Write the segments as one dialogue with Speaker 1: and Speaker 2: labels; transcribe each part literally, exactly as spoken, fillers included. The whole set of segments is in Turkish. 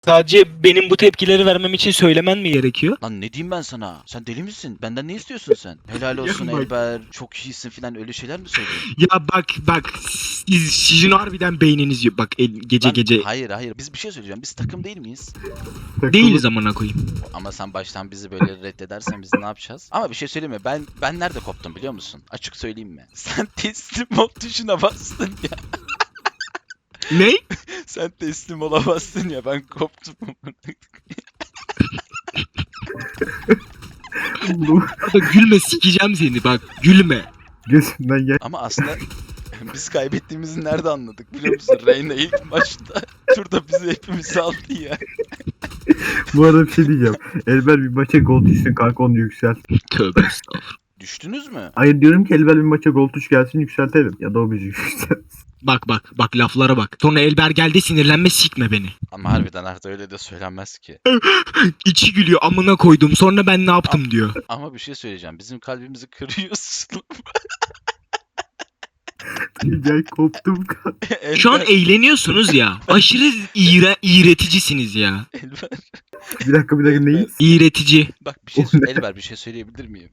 Speaker 1: Sadece benim bu tepkileri vermem için söylemen mi gerekiyor?
Speaker 2: Lan ne diyeyim ben sana? Sen deli misin? Benden ne istiyorsun sen? Helal olsun
Speaker 1: Ya bak-
Speaker 2: Elber. Çok iyisin filan öyle şeyler mi söylüyorsun?
Speaker 1: Ya bak bak siz, sizin harbiden beyniniz yok. Bak el- gece
Speaker 2: Lan
Speaker 1: gece
Speaker 2: hayır hayır. Biz bir şey söyleyeceğim. Biz takım değil miyiz?
Speaker 1: değiliz amına koyayım.
Speaker 2: Ama sen baştan bizi böyle reddedersen biz ne yapacağız? Ama bir şey söyleyeyim mi? Ben ben nerede koptum biliyor musun? Açık söyleyeyim mi? Sen teslim ol tuşuna bastın ya.
Speaker 1: Ne?
Speaker 2: Sen teslim olamazsın ya. Ben koptum.
Speaker 1: Arda gülme sikeceğim seni bak gülme.
Speaker 3: Gözümden gel.
Speaker 2: Ama aslında biz kaybettiğimizi nerede anladık biliyor musun? Reyna ilk maçta turda bizi hepimiz aldı ya.
Speaker 3: Bu arada bir şey diyeceğim. Elber bir maça gol düşsün kanka, onu yükselt.
Speaker 1: Tövbe estağfurullah.
Speaker 2: Düştünüz mü?
Speaker 3: Hayır, diyorum ki Elber bir maça gol tuş gelsin yükseltelim. Ya da o bizi yükseltsin.
Speaker 1: Bak bak bak laflara bak. Sonra Elber geldi sinirlenme sikme beni.
Speaker 2: Ama harbiden artık öyle de söylenmez ki.
Speaker 1: İçi gülüyor amına koydum sonra ben ne yaptım diyor.
Speaker 2: Ama bir şey söyleyeceğim. Bizim kalbimizi kırıyorsun.
Speaker 3: Gel koptum kanka.
Speaker 1: Şu an
Speaker 2: Elber,
Speaker 1: eğleniyorsunuz ya. Aşırı iğre, iğreticisiniz ya.
Speaker 2: Elber.
Speaker 3: Bir dakika bir dakika neyiz?
Speaker 1: İğretici.
Speaker 2: Bak bir şey
Speaker 3: O
Speaker 2: söyle.
Speaker 3: ne?
Speaker 2: Elber bir şey söyleyebilir miyim?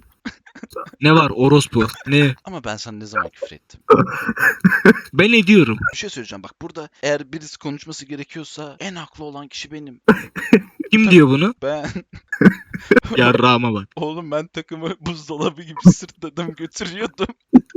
Speaker 1: Ne var orospu? Ne?
Speaker 2: Ama ben sana ne zaman küfür ettim?
Speaker 1: Ben ediyorum.
Speaker 2: Bir şey söyleyeceğim. Bak burada eğer birisi konuşması gerekiyorsa en haklı olan kişi benim.
Speaker 1: Kim diyor bunu?
Speaker 2: Ben.
Speaker 1: Yarrağıma bak.
Speaker 2: Oğlum ben takımı buzdolabı gibi sırtladım götürüyordum.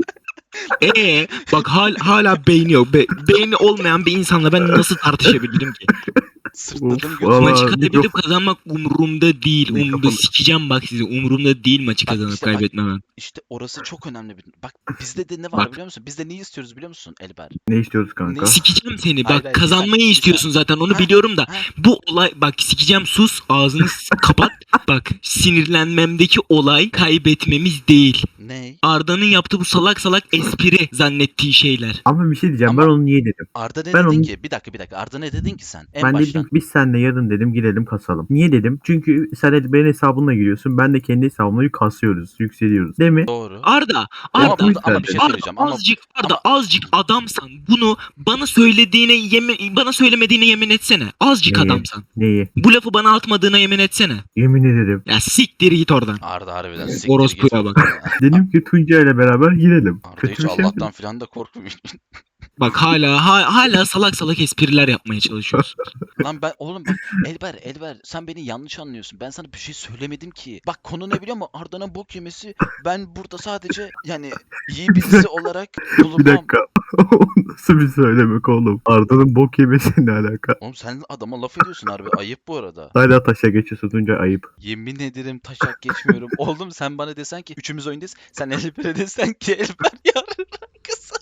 Speaker 1: Ee, bak hal, hala beyni yok. Be, beyni olmayan bir insanla ben nasıl tartışabilirim ki?
Speaker 2: Sırtladım
Speaker 3: Of,
Speaker 2: götürüyordum.
Speaker 3: valla.
Speaker 1: Maçı
Speaker 3: Aa,
Speaker 1: kaybedip
Speaker 3: mikrofon-
Speaker 1: kazanmak umurumda değil. Umurumda
Speaker 3: Mikrofon-
Speaker 1: sikeceğim bak sizi. Umurumda değil maçı
Speaker 2: Bak
Speaker 1: kazanıp
Speaker 2: işte bak-
Speaker 1: kaybetmemem.
Speaker 2: İşte orası çok önemli bir... Bak bizde de ne var
Speaker 1: Bak.
Speaker 2: biliyor musun? Bizde neyi istiyoruz biliyor musun Elber?
Speaker 3: Ne istiyoruz kanka?
Speaker 2: Ne-
Speaker 1: Sikeceğim seni.
Speaker 2: Hayır,
Speaker 1: Bak
Speaker 2: hayır, bir
Speaker 1: kazanmayı
Speaker 2: saniye, bir
Speaker 1: istiyorsun
Speaker 2: saniye.
Speaker 1: zaten onu
Speaker 2: Ha,
Speaker 1: biliyorum da.
Speaker 2: ha.
Speaker 1: Bu olay bak sikeceğim sus ağzını s- kapat. Bak sinirlenmemdeki olay kaybetmemiz değil.
Speaker 2: Ne?
Speaker 1: Arda'nın yaptığı bu salak salak espri zannettiği şeyler.
Speaker 3: Ama bir şey diyeceğim,
Speaker 2: Ama-
Speaker 3: ben onu niye dedim?
Speaker 2: Arda ne
Speaker 3: Ben
Speaker 2: dedin
Speaker 3: onu-
Speaker 2: ki? Bir dakika bir dakika. Arda ne dedin ki sen? En
Speaker 3: ben
Speaker 2: baştan.
Speaker 3: dedim ki biz seninle yarın dedim gidelim kasalım. Niye dedim? Çünkü sen Elber'in hesabına giriyorsun, ben de kendi hesabımla kasıyoruz, yükseliyoruz. Değil mi?
Speaker 2: Doğru.
Speaker 1: Arda,
Speaker 2: Ama
Speaker 1: Arda,
Speaker 2: burada ama bir şey
Speaker 1: Arda
Speaker 2: söyleyeceğim. Ama
Speaker 1: azıcık Arda
Speaker 2: ama-
Speaker 1: azıcık adamsan bunu bana söylediğine yemin bana söylemediğine yemin etsene. Azıcık
Speaker 3: Neyi?
Speaker 1: adamsan.
Speaker 3: Neyi?
Speaker 1: Bu lafı bana atmadığına yemin etsene.
Speaker 3: Yemin ederim.
Speaker 1: Ya siktir git oradan.
Speaker 2: Arda harbiden siktir
Speaker 1: Orospuya
Speaker 2: git.
Speaker 1: bak.
Speaker 3: Dedim ki Tunca ile beraber girelim.
Speaker 2: Arda
Speaker 3: Kötü
Speaker 2: hiç
Speaker 3: bir şey mi?
Speaker 2: Allah'tan filan da korkmuyor.
Speaker 1: Bak hala ha- hala salak salak espriler yapmaya çalışıyorsun.
Speaker 2: Lan ben oğlum bak Elber Elber sen beni yanlış anlıyorsun. Ben sana bir şey söylemedim ki. Bak konu ne biliyor musun? Arda'nın bok yemesi. Ben burada sadece yani iyi birisi olarak
Speaker 3: Bir
Speaker 2: bulunmam.
Speaker 3: dakika. O nasıl bir söylemek oğlum? Arda'nın bok yemesi ne alaka?
Speaker 2: Oğlum sen adama laf ediyorsun harbi. Ayıp bu arada.
Speaker 3: Hala taşa geçiyorsun Tunca, ayıp.
Speaker 2: Yemin ederim taşak geçmiyorum. Oğlum sen bana desen ki üçümüz oyundayız. Sen Elber'e desen ki Elber yarın kızım.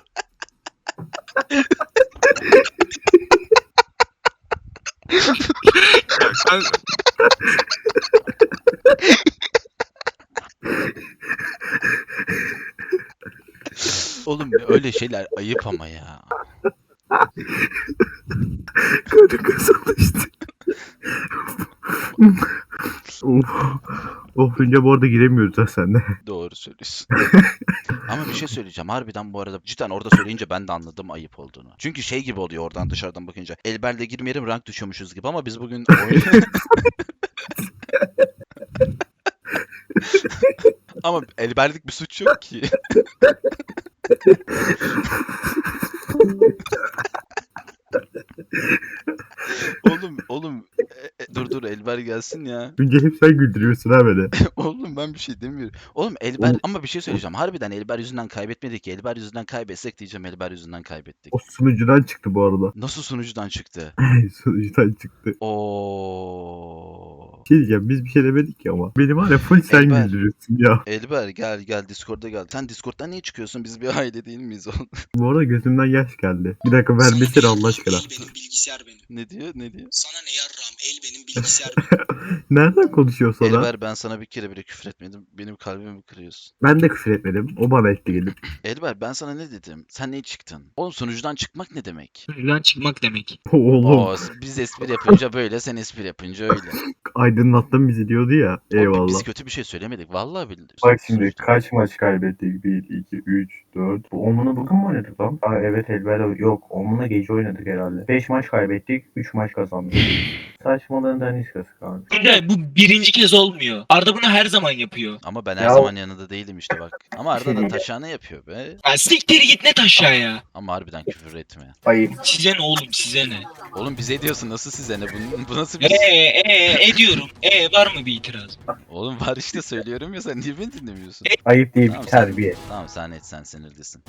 Speaker 1: Ben-
Speaker 2: Oğlum öyle şeyler ayıp ama ya.
Speaker 3: Kötü kızıldı işte. Of. Of Tunca, bu arada giremiyoruz ha seninle.
Speaker 2: Doğru söylüyorsun. Ama bir şey söyleyeceğim. Harbiden bu arada cidden orada söyleyince ben de anladım ayıp olduğunu. Çünkü şey gibi oluyor oradan dışarıdan bakınca. Elber'le girmeyelim rank düşüyormuşuz gibi ama biz bugün oyun... Ama Elber'lik bir suç yok ki. oğlum oğlum e, e, dur dur Elber gelsin ya.
Speaker 3: Tunca hep sen güldürüyorsun ha beni.
Speaker 2: Oğlum ben bir şey demiyorum. Oğlum Elber
Speaker 3: Oğlum-
Speaker 2: ama bir şey söyleyeceğim. Harbiden Elber yüzünden kaybetmedik ki. Elber yüzünden kaybetsek diyeceğim Elber yüzünden kaybettik.
Speaker 3: O sunucudan çıktı bu arada.
Speaker 2: Nasıl sunucudan çıktı?
Speaker 3: Sunucudan çıktı.
Speaker 2: Oo.
Speaker 3: Bir şey diyeceğim, biz bir şey demedik ki ama. Beni var ya full sen
Speaker 2: Elber.
Speaker 3: güldürüyorsun ya.
Speaker 2: Elber gel gel Discord'a gel. Sen Discord'dan niye çıkıyorsun? Biz bir aile değil miyiz oğlum?
Speaker 3: Bu arada gözümden yaş geldi. Bir dakika vermesene Allah aşkına.
Speaker 4: El benim bilgisayar benim.
Speaker 2: ne diyor? Ne diyor?
Speaker 4: Sana ne yarram el benim bilgisayar benim.
Speaker 3: Nereden konuşuyor sana?
Speaker 2: Elber ben sana bir kere bile küfür etmedim. Benim kalbimi kırıyorsun.
Speaker 3: Ben de küfür etmedim. O bana etti gelip.
Speaker 2: Elber ben sana ne dedim? Sen niye çıktın? Oğlum sunucudan çıkmak ne demek?
Speaker 1: Sunucudan çıkmak demek.
Speaker 3: Oğlum.
Speaker 2: Oo, biz espri yapınca böyle, sen espri yapınca öyle.
Speaker 3: aydınlattın bizi diyordu ya.
Speaker 2: Oğlum,
Speaker 3: Eyvallah.
Speaker 2: Biz kötü bir şey söylemedik. Vallahi billahi.
Speaker 3: Bak şimdi kaç maç kaybettik? bir, iki, üç, dört. Bu Omuna bugün mü oynadık lan? Aa, evet elbette yok. Omuna gece oynadık herhalde. beş maç kaybettik. üç maç kazandık. Saçmalığın daniskası kanka.
Speaker 1: Tuncay bu birinci kez olmuyor. Arda bunu her zaman yapıyor.
Speaker 2: Ama ben her
Speaker 3: Ya-
Speaker 2: zaman yanında değilim işte bak. Ama Arda da
Speaker 3: Şey-
Speaker 2: taşağını yapıyor be.
Speaker 1: Ya siktir git net aşağıya.
Speaker 2: Ama harbiden küfür etme.
Speaker 3: Ayıp.
Speaker 1: Size ne oğlum size ne?
Speaker 2: Oğlum bize diyorsun, nasıl size ne? Bu, bu nasıl bir...
Speaker 1: Eee eee ediyorum. Eee var mı bir itiraz?
Speaker 2: Oğlum var işte, söylüyorum ya, sen niye beni dinlemiyorsun?
Speaker 3: Ayıp değil
Speaker 2: Tamam,
Speaker 3: bir
Speaker 2: sen-
Speaker 3: terbiye.
Speaker 2: Tamam sen et, sen sinirlisin.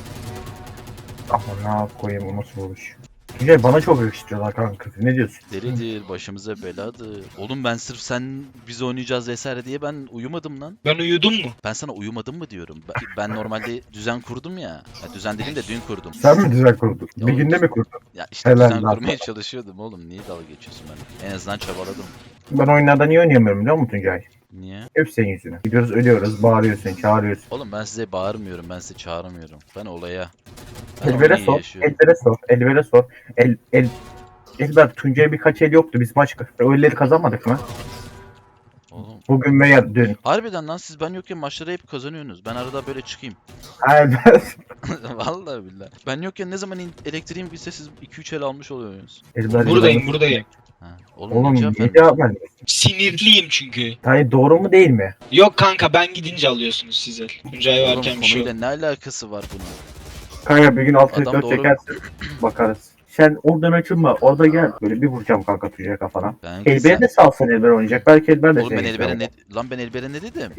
Speaker 3: Ama ne koyayım o nasıl olmuş? Güzel bana çok yakıştırıyorlar kanka. Ne diyorsun?
Speaker 2: Delidir, başımıza beladır. Oğlum ben sırf sen biz oynayacağız vesaire diye ben uyumadım lan.
Speaker 1: Ben uyudum mu?
Speaker 2: Ben sana uyumadım mı diyorum. Ben, ben normalde düzen kurdum ya. ya. Düzen dediğim de dün kurdum.
Speaker 3: Sen mi düzen kurdun?
Speaker 2: Ya
Speaker 3: Bir
Speaker 2: oğlum,
Speaker 3: günde mi kurdun?
Speaker 2: Ya işte
Speaker 3: Helal
Speaker 2: düzen
Speaker 3: lan
Speaker 2: kurmaya
Speaker 3: sana.
Speaker 2: çalışıyordum oğlum. Niye dalga geçiyorsun ben? En azından çabaladım.
Speaker 3: Ben oyunlarda niye oynayamıyorum biliyor musun Tuncay?
Speaker 2: Niye?
Speaker 3: Hep senin yüzüne. Gidiyoruz ölüyoruz, bağırıyorsun, çağırıyorsun.
Speaker 2: Oğlum ben size bağırmıyorum, ben size çağırmıyorum. Ben olaya. Ben
Speaker 3: Elbere
Speaker 2: olayı
Speaker 3: sor,
Speaker 2: yaşıyorum.
Speaker 3: Elbere sor, Elbere sor. El, el, Elber Tuncay'a birkaç el yoktu. Biz maç öğleleri kazanmadık mı?
Speaker 2: Oğlum.
Speaker 3: Bugün veya dün.
Speaker 2: Harbiden lan, siz ben yokken maçları hep kazanıyorsunuz. Ben arada böyle çıkayım.
Speaker 3: Elber.
Speaker 2: Vallahi billahi. Ben yokken ne zaman in- elektriğim gitse siz iki üç el almış oluyorsunuz.
Speaker 3: Elber
Speaker 1: Buradayım buradayım.
Speaker 2: Ha. Oğlum,
Speaker 3: Oğlum
Speaker 2: niye cevap
Speaker 3: niye
Speaker 2: vermiyorsun?
Speaker 3: cevap vermiyorsun?
Speaker 1: Sinirliyim çünkü.
Speaker 3: Hayır doğru mu değil mi?
Speaker 1: Yok kanka ben gidince alıyorsunuz size. Tuncay
Speaker 2: Oğlum
Speaker 1: varken bir şey
Speaker 2: konuyla
Speaker 1: yok.
Speaker 2: ne alakası var bunun?
Speaker 3: Kanka bir gün alt
Speaker 2: Adam
Speaker 3: dört
Speaker 2: doğru-
Speaker 3: çekersin. Bakarız. Sen oradan açılma. Orada gel. Böyle bir vuracağım kanka Tuncay kafana.
Speaker 2: Ben
Speaker 3: Elber'e de salsın Elber oynayacak. Belki Elber de
Speaker 2: Oğlum ben
Speaker 3: seni
Speaker 2: Elber'e
Speaker 3: izler.
Speaker 2: ne... Lan ben Elber'e ne dedim?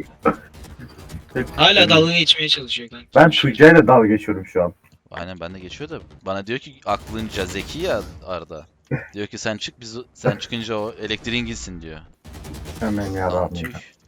Speaker 1: Hala dalga geçmeye çalışıyor kanka.
Speaker 3: Ben Tuncay'la dalga geçiyorum şu an.
Speaker 2: Aynen, bende geçiyor da. Bana diyor ki aklınca zeki ya Arda. Diyor ki sen çık, biz sen çıkınca o elektriğin gitsin diyor.
Speaker 3: Hemen ya
Speaker 2: Lan
Speaker 3: abi.
Speaker 2: tüh.